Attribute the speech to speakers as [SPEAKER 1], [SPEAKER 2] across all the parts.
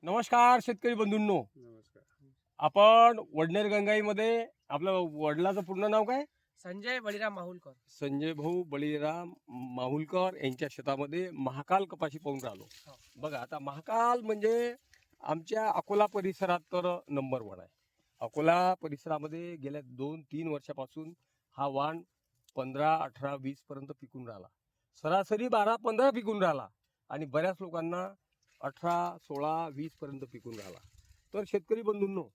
[SPEAKER 1] नमस्कार शेतकरी बंधूंनो.
[SPEAKER 2] नमस्कार.
[SPEAKER 1] आपण वडनेर गंगाईमध्ये आपलं वडिलाचं पूर्ण नाव काय?
[SPEAKER 3] संजय बळीराम माहुलकर.
[SPEAKER 1] संजय भाऊ बळीराम माहुलकर यांच्या शेतामध्ये महाकाल कपाशी पाहून राहिलो.
[SPEAKER 3] हो.
[SPEAKER 1] बघा आता महाकाल म्हणजे आमच्या अकोला परिसरात तर नंबर 1 आहे. अकोला परिसरामध्ये गेल्या 2-3 वर्षापासून हा वाण 15, 18, 20 पर्यंत पिकून राहिला. सरासरी 12-15 पिकून राहिला आणि बऱ्याच लोकांना 18, 16, 20 पर्यंत पिकून राहिला. तर शेतकरी बंधूंनो,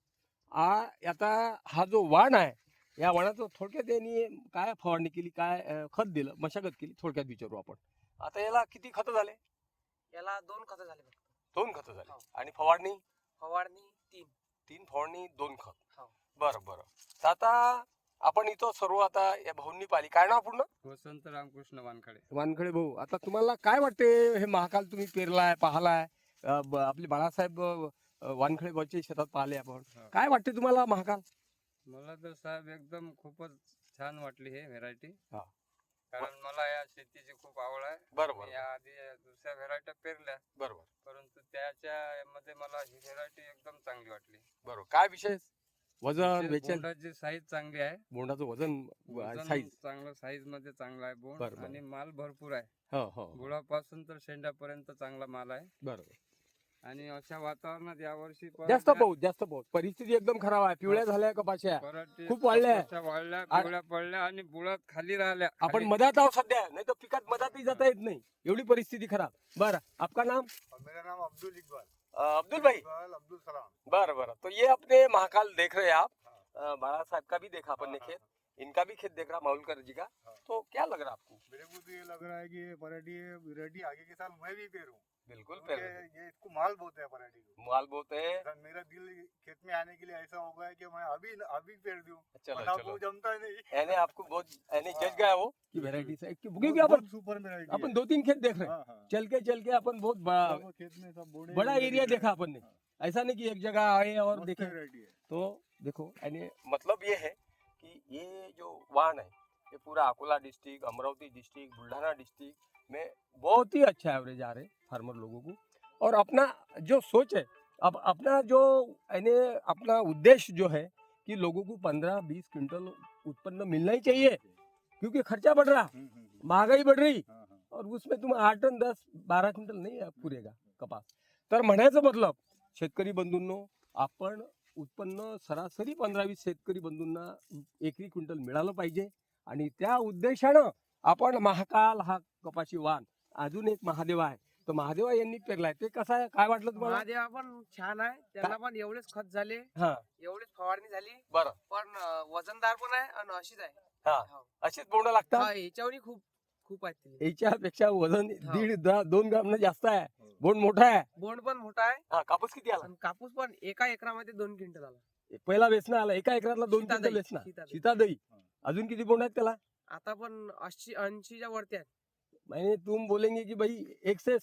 [SPEAKER 1] आता हा जो वाण आहे, या वाणाचं थोडक्यात यांनी काय फवारणी केली, काय खत दिलं, मशागत केली, थोडक्यात विचारू आपण. आता याला किती खतं झाले?
[SPEAKER 3] याला 2 खतं झाले फक्त.
[SPEAKER 1] 2 खतं झाले.
[SPEAKER 3] हो.
[SPEAKER 1] आणि फवारणी
[SPEAKER 3] फवारणी 3.
[SPEAKER 1] फवारणी 2 खत.
[SPEAKER 3] हो.
[SPEAKER 1] बरं. तर आता आपण इथं सर्व आता या भाऊंनी पाहिली. काय नाव पूर्ण?
[SPEAKER 2] वसंत रामकृष्ण वानखडे.
[SPEAKER 1] वानखडे भाऊ. आता तुम्हाला काय वाटते, हे महाकाल तुम्ही पेरलाय, पाहलाय, आपले बाळासाहेब वानखडे भाऊच्या शेतात पाहिले आपण,
[SPEAKER 2] हो.
[SPEAKER 1] काय वाटते तुम्हाला महाकाल?
[SPEAKER 2] मला तर साहेब एकदम खूपच छान वाटली हे व्हेरायटी.
[SPEAKER 1] हा.
[SPEAKER 2] कारण मला या शेतीची खूप आवड आहे.
[SPEAKER 1] बरोबर
[SPEAKER 2] या आधी दुसऱ्या व्हेरायट्या पेरल्या,
[SPEAKER 1] बरोबर
[SPEAKER 2] परंतु त्याच्या मध्ये मला ही व्हेरायटी एकदम चांगली वाटली.
[SPEAKER 1] बरोबर. काय विशेष? वजन, वेचन,
[SPEAKER 2] बोंडाची साईज चांगली आहे.
[SPEAKER 1] बोंडाचं वजन,
[SPEAKER 2] वजन
[SPEAKER 1] साईज.
[SPEAKER 2] चांगलं, साईज मध्ये चांगला आहे बोंड.
[SPEAKER 1] बरोबर.
[SPEAKER 2] आणि माल भरपूर आहे.
[SPEAKER 1] हो.
[SPEAKER 2] गुळापासून तर शेंड्यापर्यंत चांगला माल आहे.
[SPEAKER 1] बरोबर.
[SPEAKER 2] आणि अशा वातावरणात यावर्षी
[SPEAKER 1] जास्त पाऊस परिस्थिती एकदम खराब आहे. पिवळ्या झाल्या कपाश्या, खूप वाढल्या.
[SPEAKER 2] वाढल्या, पिवळ्या पडल्या आणि बुळात खाली राहिल्या.
[SPEAKER 1] आपण मधात आहोत सध्या, नाही तर पिकात मधातही जाता येत नाही, एवढी परिस्थिती खराब. बरं, आपका नाम?
[SPEAKER 4] मेरा नाम अब्दुल इकबाल
[SPEAKER 1] अब्दुल भाई.
[SPEAKER 4] अब्दुल सलाम।
[SPEAKER 1] बरं. तो ये अपने महाकाल देख रहे हैं आप, बाला साहब का भी देखा अपन ने खेत, इनका भी खेत देख रहा माहुलकर जी का. तो क्या लग रहा है आपको?
[SPEAKER 4] मेरे को तो ये लग रहा है कि ये वैरायटी आगे के साल मैं भी पेरूं।
[SPEAKER 1] बिल्कुल
[SPEAKER 4] क्योंकि ये इसको माल बहुत है वैरायटी को।
[SPEAKER 1] माल बोलते हैं.
[SPEAKER 4] सर, मेरा दिल खेत में आने के लिए ऐसा हो गया है कि मैं अभी पेर दूं।
[SPEAKER 1] चलो
[SPEAKER 4] वरना
[SPEAKER 1] चलो,
[SPEAKER 4] वो जमता ही नहीं।
[SPEAKER 1] यानी आपको बहुत यानी जज गया वो कि वैरायटी से, क्योंकि अपन
[SPEAKER 4] बहुत सुपर वैरायटी
[SPEAKER 1] अपन 2-3 खेत देख रहे हैं.
[SPEAKER 4] हाँ।
[SPEAKER 1] चल के अपन बहुत बड़ा
[SPEAKER 4] सब खेत में सब
[SPEAKER 1] बड़ा एरिया देखा अपन ने. ऐसा नहीं कि एक जगह आए और देखे.
[SPEAKER 4] वैरायटी है।
[SPEAKER 1] तो देखो, यानी मतलब ये है कि ये जो वाण है, ये पूरा Akola district, Amravati district, Buldhana district में बहुत ही अच्छा एवरेज आ रहे फार्मर लोगों को. और अपना जो सोच है, अब अपना जो यानी अपना उद्देश्य जो है कि लोगों को 15-20 क्विंटल उत्पन्न मिलना ही चाहिए, क्योंकि खर्चा बढ़ रहा, महंगाई बढ़ रही,
[SPEAKER 4] हाँ।
[SPEAKER 1] और उसमें तुम 8 टन 10-12 क्विंटल नाही पुरेगा कपास. तर म्हणायचं मतलब शेतकरी बंधूंनो, आपण उत्पन्न सरासरी 15-20 शेतकरी बंधूंना एकरी क्विंटल मिळालं पाहिजे. आणि त्या उद्देशानं आपण महाकाल हा कपाशी वाण, अजून एक महादेवा आहे, तो महादेवा यांनी पेरलाय. ते कसं आहे, काय वाटलं तुम्हाला?
[SPEAKER 3] महादेवा पण छान आहे. त्यांना पण एवढेच खत झाले,
[SPEAKER 1] हा,
[SPEAKER 3] एवढेच फवारणी झाली.
[SPEAKER 1] बरं.
[SPEAKER 3] पण वजनदार पण आहे आणि अशीच आहे.
[SPEAKER 1] हा,
[SPEAKER 3] हो.
[SPEAKER 1] अशीच बोंड लागतात.
[SPEAKER 3] हा, याच्यावरही खूप आहेत ते.
[SPEAKER 1] याच्यापेक्षा वजन
[SPEAKER 3] हा.
[SPEAKER 1] 1.5-2 ग्राम जास्त आहे. बोंड मोठा आहे.
[SPEAKER 3] बोंड पण मोठा आहे
[SPEAKER 1] हा, कापूस किती आला?
[SPEAKER 3] आणि कापूस पण एका एकरामध्ये 2 क्विंटल आला.
[SPEAKER 1] पहिला वेचना आला, एका एकरातला 2
[SPEAKER 3] सीतादही,
[SPEAKER 1] क्विंटल वेचना.
[SPEAKER 3] सीतादही.
[SPEAKER 1] सीतादही. अजून किती बोंड आहेत त्याला?
[SPEAKER 3] आता पण 80-80च्या वरती आहेत.
[SPEAKER 1] मैंने तुम बोलेंगे कि भाई 1 से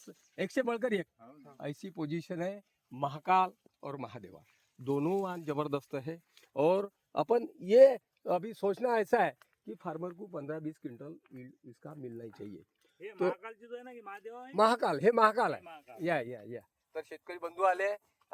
[SPEAKER 1] 1 से बढ़कर 1, ऐसी पोजीशन है. महाकाल और महादेवा दोनों वाण जबरदस्त है. और अपन ये अभी सोचना ऐसा है कि फार्मर को 15-20 क्विंटल इसका मिलना ही चाहिए. तो
[SPEAKER 5] महाकालची जो आहे ना की महादेव आहे
[SPEAKER 1] महाकाल, हे महाकाल आहे.
[SPEAKER 5] महाकाल
[SPEAKER 1] या तर शेतकरी बंधू आले.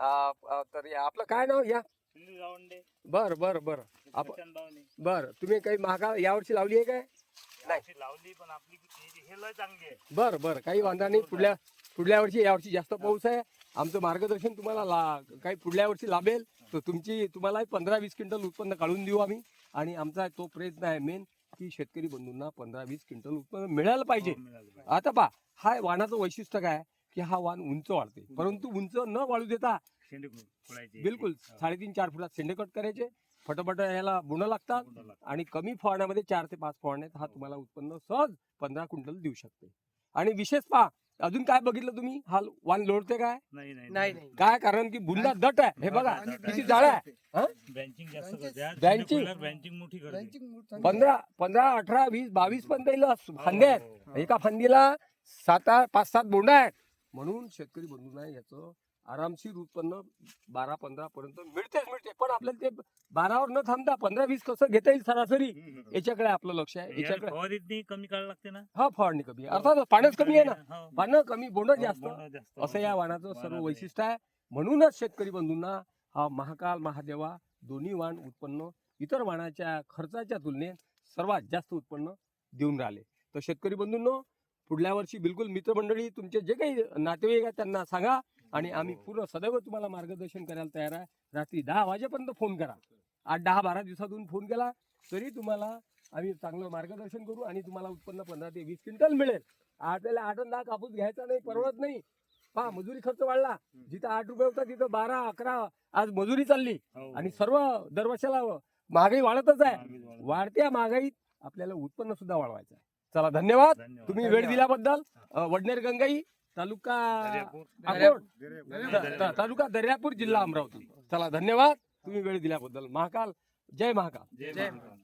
[SPEAKER 1] तर या आपलं काय नाव? या
[SPEAKER 5] सुनील गावंडे
[SPEAKER 1] बर आपण
[SPEAKER 5] प्रशांत बावणे
[SPEAKER 1] बर. तुम्ही काही महाकाल यावर्षी लावली आहे काय?
[SPEAKER 5] अशी लावली पण आपली हे लय चांगली आहे.
[SPEAKER 1] बर काही वांधा नाही. पुढल्या वर्षी, यावर्षी जास्त पाऊस आहे. आमचं मार्गदर्शन तुम्हाला काही पुढल्या वर्षी लाभेल, तर तुम्हाला 15-20 क्विंटल उत्पन्न काढून देऊ आम्ही. आणि आमचा तो प्रयत्न आहे मेन की शेतकरी बंधूंना 15-20 क्विंटल उत्पन्न मिळालं पाहिजे. आता पहा, हा वाणाचं वैशिष्ट्य काय की हा वाण उंच वाढते, परंतु उंच न वाढू देता
[SPEAKER 5] शेंडे फोडायचे.
[SPEAKER 1] बिलकुल 3.5-4 फुटात शेंडे कट करायचे, फटाफट याला बुणं लागतात. आणि कमी फवारण्यामध्ये 4 ते 5 फवारण्यात हा तुम्हाला उत्पन्न सहज 15 क्विंटल देऊ शकते. आणि विशेष पहा, अजून काय बघितलं तुम्ही, हा वाण लोळते काय?
[SPEAKER 3] नाही.
[SPEAKER 1] काय कारण की बुंदा दट आहे. हे बघा किती जाड आहे.
[SPEAKER 5] ब्रँचिंग जास्त करते.
[SPEAKER 1] ब्रँचिंग
[SPEAKER 5] मोठी करते.
[SPEAKER 1] 15, 18, 20, 22 पण त्याला फांद्या आहेत. एका फांदीला 5-7 बोंड आहेत. म्हणून शेतकरी बंधूंना याचं आरामशीर उत्पन्न 12-15 पर्यंत मिळते. पण आपल्याला ते 12वर न थांबता 15-20 कसं घेता येईल सरासरी, याच्याकडे आपलं लक्ष आहे. याच्याकडे
[SPEAKER 5] फवारणीतनी कमी काढायला लागते ना.
[SPEAKER 1] हा, फवारणी कमी आहे, अर्थात पाण्याच कमी आहे ना.
[SPEAKER 5] हो.
[SPEAKER 1] पानं कमी, बोंड जास्त,
[SPEAKER 5] बोंड जास्त.
[SPEAKER 1] असं या वाणाचं सर्व वैशिष्ट्य आहे. म्हणूनच शेतकरी बंधूंना हा महाकाल महादेवा दोन्ही वाण उत्पन्न इतर वाणाच्या खर्चाच्या तुलनेत सर्वात जास्त उत्पन्न देऊन राहिले. तर शेतकरी बंधूंनो, पुढल्या वर्षी बिलकुल मित्रमंडळी तुमचे जे काही नातेवाईक आहेत त्यांना सांगा आणि आम्ही पूर्ण सदैव तुम्हाला मार्गदर्शन करायला तयार आहे. रात्री 10 वाजेपर्यंत फोन करा. 8-10-12 दिवसातून फोन केला तरी तुम्हाला आम्ही चांगलं मार्गदर्शन करू आणि तुम्हाला उत्पन्न 15 ते 20 क्विंटल मिळेल. आपल्याला 8-10 कापूस घ्यायचा नाही, परवडत नाही. पहा मजुरी खर्च वाढला, जिथं 8 रुपये होता तिथं 12-11 आज मजुरी चालली
[SPEAKER 5] हो.
[SPEAKER 1] आणि सर्व दरवर्षाला महागाई वाढतच आहे. वाढत्या महागाईत आपल्याला उत्पन्न सुद्धा वाढवायचं आहे. चला धन्यवाद.
[SPEAKER 5] धन्यवाद.
[SPEAKER 1] तुम्ही वेळ दिल्याबद्दल. वडनेर गंगाई, तालुका
[SPEAKER 5] दर्यापूर.
[SPEAKER 1] अकोट, तालुका दर्यापूर, जिल्हा अमरावती. चला धन्यवाद. तुम्ही वेळ दिल्याबद्दल. महाकाल, जय महाकाल.
[SPEAKER 5] जय
[SPEAKER 3] जय
[SPEAKER 5] महाकाल.